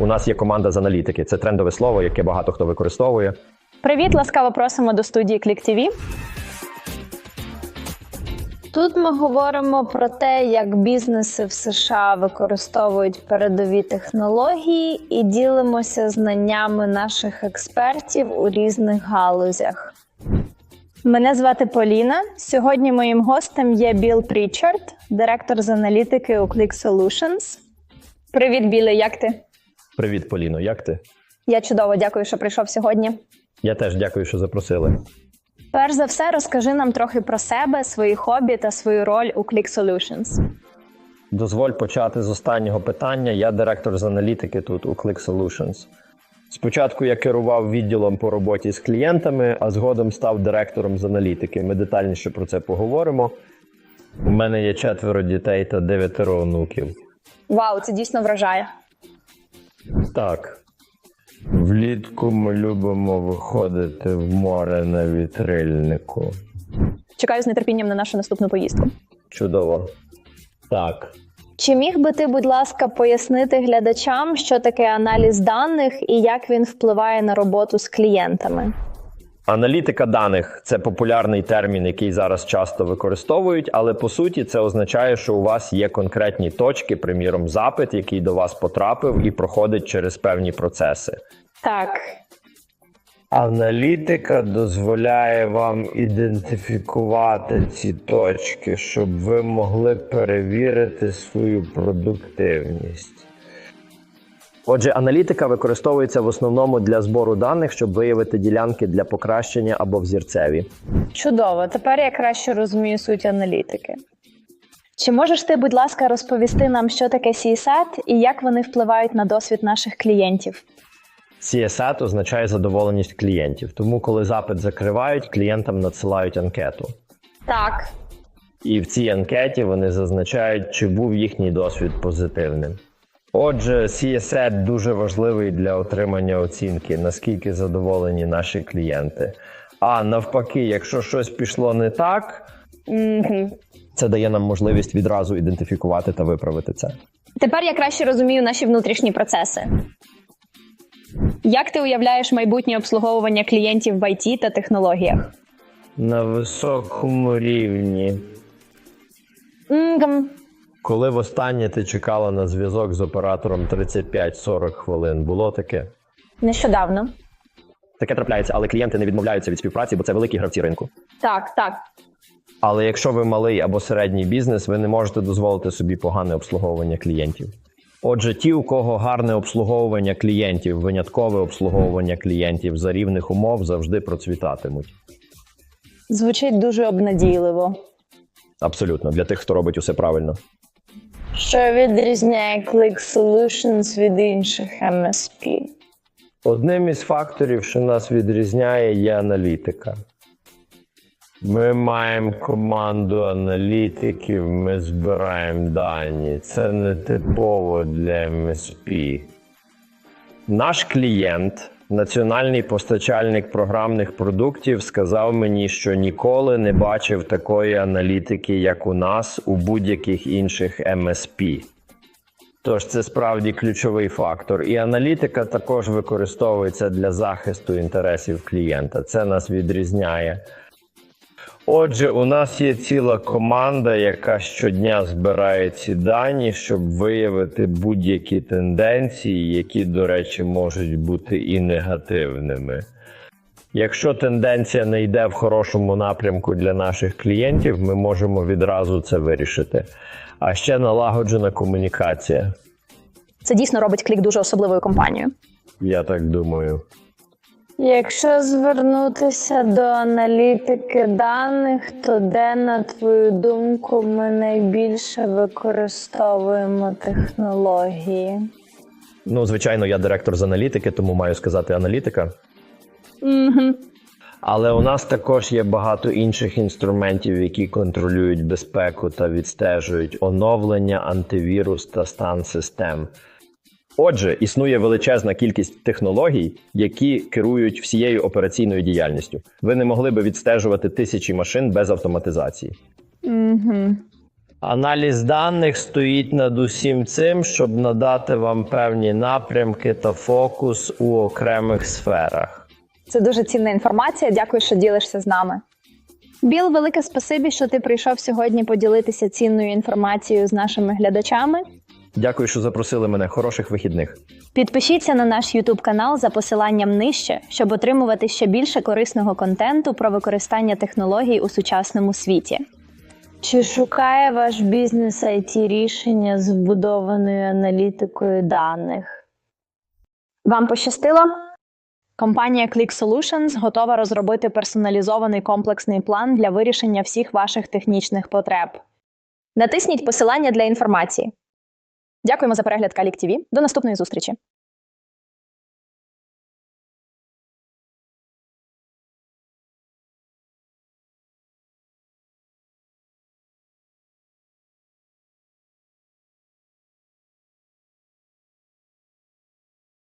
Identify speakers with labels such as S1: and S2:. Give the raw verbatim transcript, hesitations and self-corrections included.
S1: У нас є команда з аналітики. Це трендове слово, яке багато хто використовує.
S2: Привіт, ласкаво просимо до студії ClickTV.
S3: Тут ми говоримо про те, як бізнеси в США використовують передові технології і ділимося знаннями наших експертів у різних галузях.
S2: Мене звати Поліна. Сьогодні моїм гостем є Білл Прічард, директор з аналітики у Click Solutions. Привіт, Білле, як ти?
S1: Привіт, Поліно, як ти?
S2: Я чудово, дякую, що прийшов сьогодні.
S1: Я теж дякую, що запросили.
S2: Перш за все, розкажи нам трохи про себе, свої хобі та свою роль у Click Solutions.
S1: Дозволь почати з останнього питання. Я директор з аналітики тут у Click Solutions. Спочатку я керував відділом по роботі з клієнтами, а згодом став директором з аналітики. Ми детальніше про це поговоримо. У мене є четверо дітей та дев'ятеро онуків.
S2: Вау, це дійсно вражає.
S1: Так. Влітку ми любимо виходити в море на вітрильнику.
S2: Чекаю з нетерпінням на нашу наступну поїздку.
S1: Чудово. Так.
S2: Чи міг би ти, будь ласка, пояснити глядачам, що таке аналіз даних і як він впливає на роботу з клієнтами?
S1: Аналітика даних – це популярний термін, який зараз часто використовують, але по суті це означає, що у вас є конкретні точки, приміром запит, який до вас потрапив і проходить через певні процеси.
S2: Так.
S4: Аналітика дозволяє вам ідентифікувати ці точки, щоб ви могли перевірити свою продуктивність.
S1: Отже, аналітика використовується в основному для збору даних, щоб виявити ділянки для покращення або взірцеві.
S2: Чудово. Тепер я краще розумію суть аналітики. Чи можеш ти, будь ласка, розповісти нам, що таке сі ес ей ті і як вони впливають на досвід наших клієнтів?
S1: сі ес ей ті означає задоволеність клієнтів, тому коли запит закривають, клієнтам надсилають анкету.
S2: Так.
S1: І в цій анкеті вони зазначають, чи був їхній досвід позитивним. Отже, сі ес ей ті дуже важливий для отримання оцінки, наскільки задоволені наші клієнти. А навпаки, якщо щось пішло не так,
S2: Mm-hmm.
S1: це дає нам можливість відразу ідентифікувати та виправити це.
S2: Тепер я краще розумію наші внутрішні процеси. Як ти уявляєш майбутнє обслуговування клієнтів в ай ті та технологіях?
S4: На високому рівні.
S2: Mm-hmm.
S1: Коли востаннє ти чекала на зв'язок з оператором тридцять п'ять сорок хвилин, було таке?
S2: Нещодавно.
S1: Таке трапляється, але клієнти не відмовляються від співпраці, бо це великі гравці ринку.
S2: Так, так.
S1: Але якщо ви малий або середній бізнес, ви не можете дозволити собі погане обслуговування клієнтів. Отже, ті, у кого гарне обслуговування клієнтів, виняткове обслуговування клієнтів за рівних умов, завжди процвітатимуть.
S2: Звучить дуже обнадійливо.
S1: Абсолютно, для тих, хто робить усе правильно.
S3: Що відрізняє Click Solutions від інших ем ес пі?
S4: Одним із факторів, що нас відрізняє, є аналітика. Ми маємо команду аналітиків, ми збираємо дані. Це не типово для ем ес пі.
S1: Наш клієнт, національний постачальник програмних продуктів, сказав мені, що ніколи не бачив такої аналітики, як у нас, у будь-яких інших ем ес пі. Тож це справді ключовий фактор. І аналітика також використовується для захисту інтересів клієнта. Це нас відрізняє.
S4: Отже, у нас є ціла команда, яка щодня збирає ці дані, щоб виявити будь-які тенденції, які, до речі, можуть бути і негативними. Якщо тенденція не йде в хорошому напрямку для наших клієнтів, ми можемо відразу це вирішити. А ще налагоджена комунікація.
S2: Це дійсно робить Click дуже особливою компанією.
S4: Я так думаю.
S3: Якщо звернутися до аналітики даних, то де, на твою думку, ми найбільше використовуємо технології?
S1: Ну, звичайно, я директор з аналітики, тому маю сказати аналітика.
S2: Угу.
S1: Але у нас також є багато інших інструментів, які контролюють безпеку та відстежують оновлення, антивірус та стан систем. Отже, існує величезна кількість технологій, які керують всією операційною діяльністю. Ви не могли би відстежувати тисячі машин без автоматизації.
S2: Угу.
S1: Аналіз даних стоїть над усім цим, щоб надати вам певні напрямки та фокус у окремих сферах.
S2: Це дуже цінна інформація. Дякую, що ділишся з нами. Біл, велике спасибі, що ти прийшов сьогодні поділитися цінною інформацією з нашими глядачами.
S1: Дякую, що запросили мене. Хороших вихідних.
S2: Підпишіться на наш YouTube канал за посиланням нижче, щоб отримувати ще більше корисного контенту про використання технологій у сучасному світі.
S3: Чи шукає ваш бізнес ай ті-рішення з вбудованою аналітикою даних?
S2: Вам пощастило? Компанія Click Solutions готова розробити персоналізований комплексний план для вирішення всіх ваших технічних потреб. Натисніть посилання для інформації. Дякуємо за перегляд Калік ТІВІ. До наступної зустрічі!